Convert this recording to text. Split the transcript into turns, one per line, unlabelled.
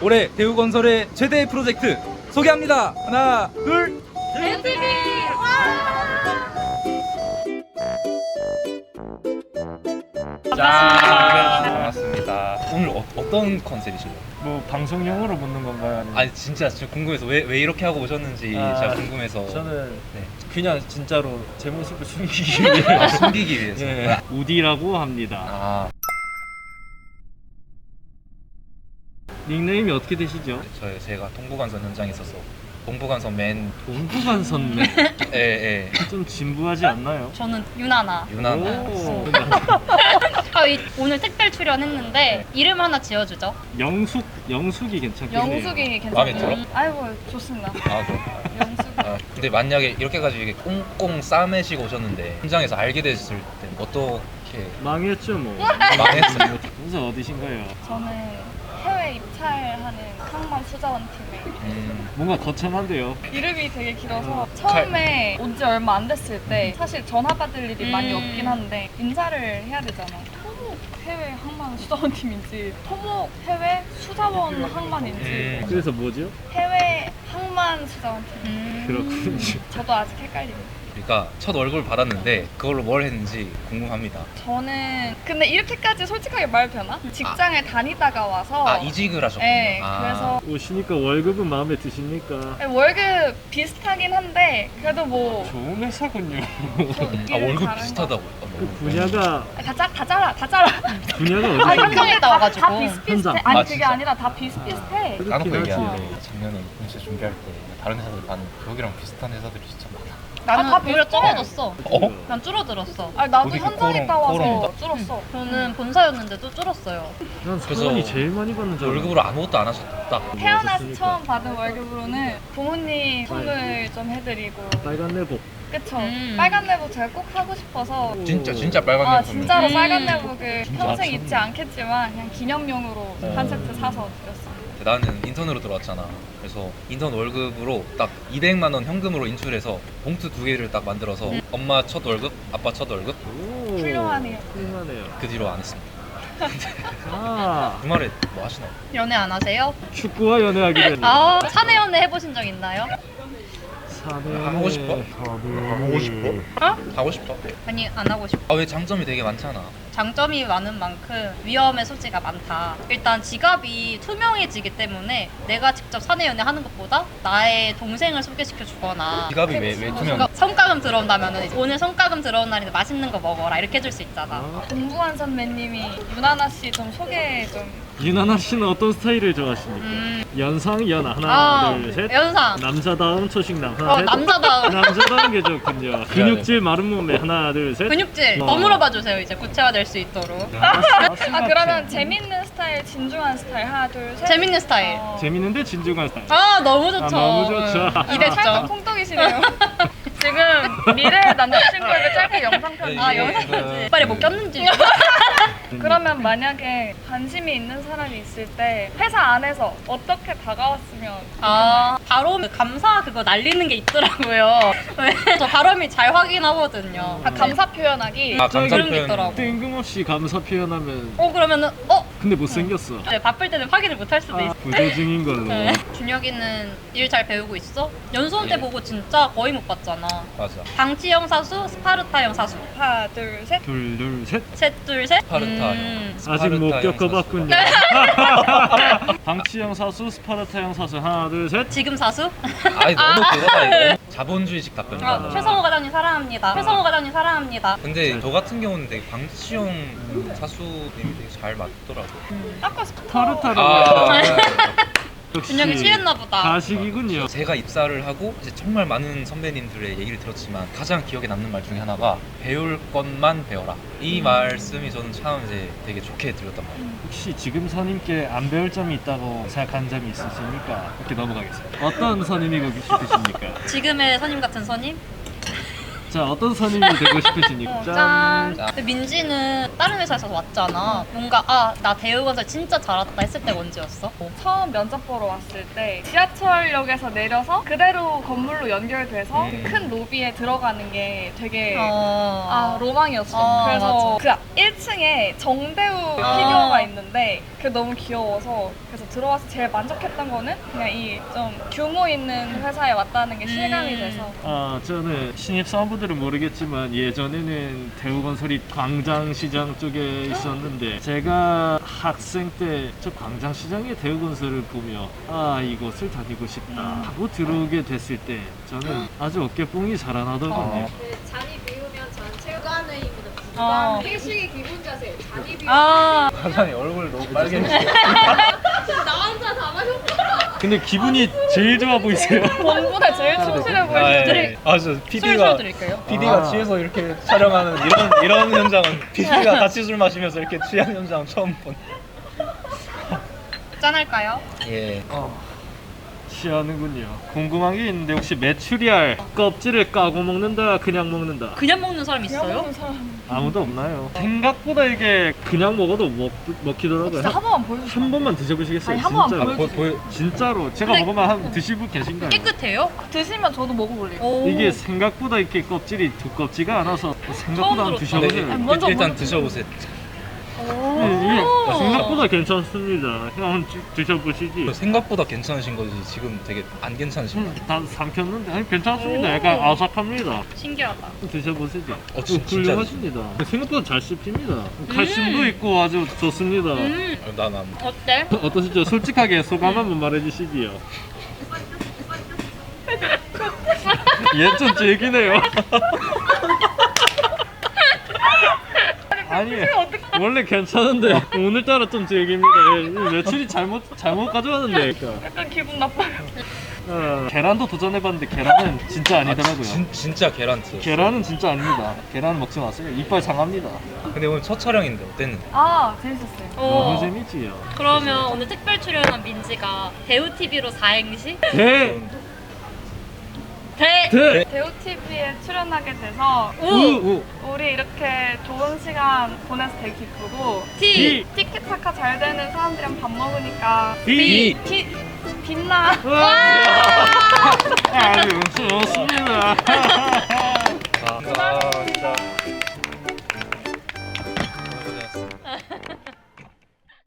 올해 대우건설의 최대 프로젝트 소개합니다. 하나, 둘.
대우TV!
짠! 반갑습니다. 오늘 어떤 컨셉이신가요?
뭐 방송용으로 묻는 건가요? 아니면
아니 진짜 궁금해서 왜 이렇게 하고 오셨는지 제가 궁금해서.
저는
네.
그냥 진짜로 제 모습을 숨기기 위해
숨기기 위해서.
예, 우디라고 합니다.
아,
닉네임이 어떻게 되시죠?
제가 동부간선 현장에 있어서 동부간선 맨.
동부간선맨.
예.
좀 진부하지 않나요?
저는 유나나.
유난.
오,
오늘 특별 출연했는데 이름 하나 지어주죠.
영숙이 괜찮겠네요.
영숙이
마음에
괜찮아요.
들어?
아이고 좋습니다.
아, 그럼.
영숙.
근데 만약에 이렇게 가지고 이게 꽁꽁 싸매시고 오셨는데 현장에서 알게 됐을 때 어떻게
망했죠 뭐.
망했어요?
무슨 어디신가요?
저는 해외 입찰하는 항만 수자원 팀에
뭔가 거창한데요.
이름이 되게 길어서 처음에 온 지 얼마 안 됐을 때 사실 전화 받을 일이 많이 없긴 한데 인사를 해야 되잖아. 토목 해외 항만 수자원 팀인지 토목 해외 수자원 항만인지
그래서 뭐죠?
해외 항만 수자원 팀.
그렇군요.
저도 아직 헷갈립니다.
그러니까 첫 얼굴 받았는데 그걸로 뭘 했는지 궁금합니다.
저는 근데 이렇게까지 솔직하게 말해도 되나? 직장에 다니다가 와서
아, 이직을 하셨군요.
네,
아.
그래서
오시니까 월급은 마음에 드십니까?
월급 비슷하긴 한데 그래도 뭐
좋은 회사군요.
월급
다른
비슷하다고.
그 분야가
다 잘라.
분야가
아니,
어디죠?
현장에
다
나와가지고.
비슷비슷해.
현장.
아니
아,
그게
진짜?
아니라 다 비슷비슷해.
그렇긴
까놓고
하지.
얘기하는데 작년에 인쇄 준비할 때 다른 회사들 가는 여기랑 비슷한 회사들이 진짜 많아.
나는
다
오히려
비슷해.
줄어졌어.
어?
난 줄어들었어.
아니 나도
어디
현장
코오롱,
있다 와서
코오롱이다?
줄었어.
저는 본사였는데도 줄었어요.
난
그래서
서원이 제일 많이 받는 줄 알았는데.
월급으로 아무것도 안 하셨다.
태어나서
하셨으니까.
처음 받은 월급으로는 부모님 선물 좀 해드리고
빨간 내복.
그쵸.
음.
빨간 내복 제가 꼭 하고 싶어서
진짜 빨간
아
면
진짜로
음.
빨간 내복을
진짜
평생
미쳤네.
입지 않겠지만 그냥 기념용으로 한 세트 사서 드렸어요.
나는 인턴으로 들어왔잖아. 그래서 인턴 월급으로 딱 200만 원 현금으로 인출해서 봉투 2개를 딱 만들어서 엄마 첫 월급, 아빠 첫 월급
오,
훌륭하네요.
훌륭하네요.
그 뒤로 안 했습니다.
아,
주말에 뭐 하시나요?
연애 안 하세요?
축구와 연애하게 되네.
아, 사내 연애 해보신 적 있나요?
사내
하고 싶어?
하고 싶어?
하고 싶어.
아니, 안 하고 싶어.
아, 왜 장점이 되게 많잖아.
장점이 많은 만큼 위험의 소지가 많다. 일단 지갑이 투명해지기 때문에 내가 직접 사내 연애 하는 것보다 나의 동생을 소개시켜 주거나
지갑이 왜 투명?
그러니까 성과금 들어온다면 오늘 성과금 들어온 날인데 맛있는 거 먹어라 이렇게 해줄 수 있잖아.
공부한 선배님이 유나나 씨 좀 소개 좀.
유나나 씨는 어떤 스타일을 좋아하십니까? 연상 연 하나
아,
둘 셋.
연상.
남자다움 초식남 하나 셋.
남자다움.
남자다운 게 좋군요. 근육질 마른 몸매 하나 둘 셋.
근육질
어.
더 물어봐 주세요. 이제 구체화될 수 있도록.
아 그러면 재밌는 스타일, 진중한 스타일 하나 둘 셋.
재밌는 스타일.
재밌는데 진중한 스타일.
아 너무 좋죠.
아, 너무 좋죠.
살짝
200점.
콩떡이시네요. 지금 미래 남자친구에게 짧게 영상 편지.
아 영상 편지. 빨리 뭐 꼈는지.
그러면 만약에 관심이 있는 사람이 있을 때 회사 안에서 어떻게 다가왔으면
아 바로 감사 그거 날리는 게 있더라고요. 저 발음이 잘 확인하거든요.
아, 감사 표현하기.
아, 감사
그런 게
표현.
있더라고.
뜬금없이 감사 표현하면
그러면은
근데 못생겼어.
네, 바쁠 때는 확인을 못 할 수도 있어.
부조중인 걸로.
네. 준혁이는 일 잘 배우고 있어? 연수원 때
예.
보고 진짜 거의 못 봤잖아.
맞아.
방치형 사수, 스파르타형 사수.
하나 둘 셋.
둘 둘 셋.
셋, 둘, 셋.
스파르타형.
아직 못
스파르타형
겪어봤군요. 방치형 사수, 스파르타형 사수 하나 둘 셋.
지금 사수?
아니 너무 그거다. 이거. 자본주의식 답변이다.
아, 최성호 과장님 사랑합니다. 최성호 과장님 사랑합니다.
근데 저 같은 경우는 되게 방치형 사수님이 되게 잘 맞더라고.
아까
타르타르.
아,
역시
준혁이 취했나 보다.
가식이군요.
제가 입사를 하고 이제 정말 많은 선배님들의 얘기를 들었지만 가장 기억에 남는 말 중에 하나가 배울 것만 배워라. 이 말씀이 저는 참 이제 되게 좋게 들렸단 말이에요.
혹시 지금 선임께 안 배울 점이 있다고 생각한 점이 있으십니까? 이렇게 넘어가겠습니다. 어떤 선임이고 싶으십니까?
지금의 선임 같은 선임?
자, 어떤 선임이 되고 싶으십니까?
짠.
짠.
근데 민지는 다른 회사에서 왔잖아. 뭔가 나 대우건설 진짜 잘했다 했을 때가 언제였어?
처음 면접 보러 왔을 때 지하철역에서 내려서 그대로 건물로 연결돼서 그 큰 로비에 들어가는 게 되게 로망이었어. 그래서 그 1층에 정대우 피규어가 있는데 그게 너무 귀여워서 그래서 들어와서 제일 만족했던 거는 그냥 이 좀 규모 있는 회사에 왔다는 게 실감이 돼서
아, 저는 신입사원분들은 모르겠지만 예전에는 대우건설이 광장시장 쪽에 있었는데 제가 학생 때 저 광장시장의 대우건설을 보며 아, 이곳을 다니고 싶다 하고 들어오게 됐을 때 저는 아주 어깨뽕이 자라나더군요.
그 잔이 비우면 전체 주간회의보다
어.
주간 회식의 기본 자세 잔이 비우면
아
과장이 얼굴 너무 빨개졌어.
나 혼자 다 마셨어.
근데 기분이 제일 좋아 보이세요.
공부에 제일 충실해 보이시더라고요.
아저 PD가
드릴까요?
PD가 취해서 이렇게 촬영하는 이런 현장은 PD가 같이 술 마시면서 이렇게 취한 현장 처음 본.
짠할까요?
예.
취하는군요. 궁금한 게 있는데 혹시 메추리알 껍질을 까고 먹는다, 그냥 먹는다?
그냥 먹는 사람
그냥
있어요?
먹는 사람
아무도 없나요? 생각보다 이게 그냥 먹어도 먹히더라고요.
진짜 한 번만 보여주세요.
한 번만 드셔보시겠어요?
아니, 한 번만
진짜로.
보여주세요.
진짜로 제가
근데-
먹으면 한 드실 분 계신가요?
깨끗해요?
드시면 저도 먹어볼래요.
오.
이게 생각보다 이렇게 껍질이 두껍지가 않아서 생각보다 한번
처음
드셔보세요.
아니, 먼저
일단
먼저
드셔보세요.
이게 생각보다 괜찮습니다. 한번 드셔보시지.
생각보다 괜찮으신 거지 지금 되게 안 괜찮으신 거.
다 삼켰는데 아니, 괜찮습니다.
오.
약간 아삭합니다.
신기하다.
드셔보시죠.
진짜
훌륭하십니다. 생각보다 잘 씹힙니다. 칼슘도 있고 아주 좋습니다.
난
어때?
어떠시죠? 솔직하게 소감 한번 말해주시지요. 얘 좀 즐기네요. 아니 원래 괜찮은데 오늘따라 좀 즐깁니다. 며칠이 잘못 가져왔는데.
약간 기분 나빠요.
계란도 도전해봤는데 계란은 진짜 아니더라고요.
진짜 계란트.
계란은 진짜 아닙니다. 계란은 먹지 마세요. 이빨 상합니다.
근데 오늘 첫 촬영인데 어땠는데?
아 재밌었어요.
너무 재밌지요.
그러면 오늘 특별 출연한 민지가 대우 TV로 4행시?
대!
대.
대우 TV에 출연하게 돼서
우!
우리 이렇게 좋은 시간 보내서 되게 기쁘고
T.
티키타카 잘 되는 사람들이랑 밥 먹으니까
비!
빛나.
아주 좋습니다.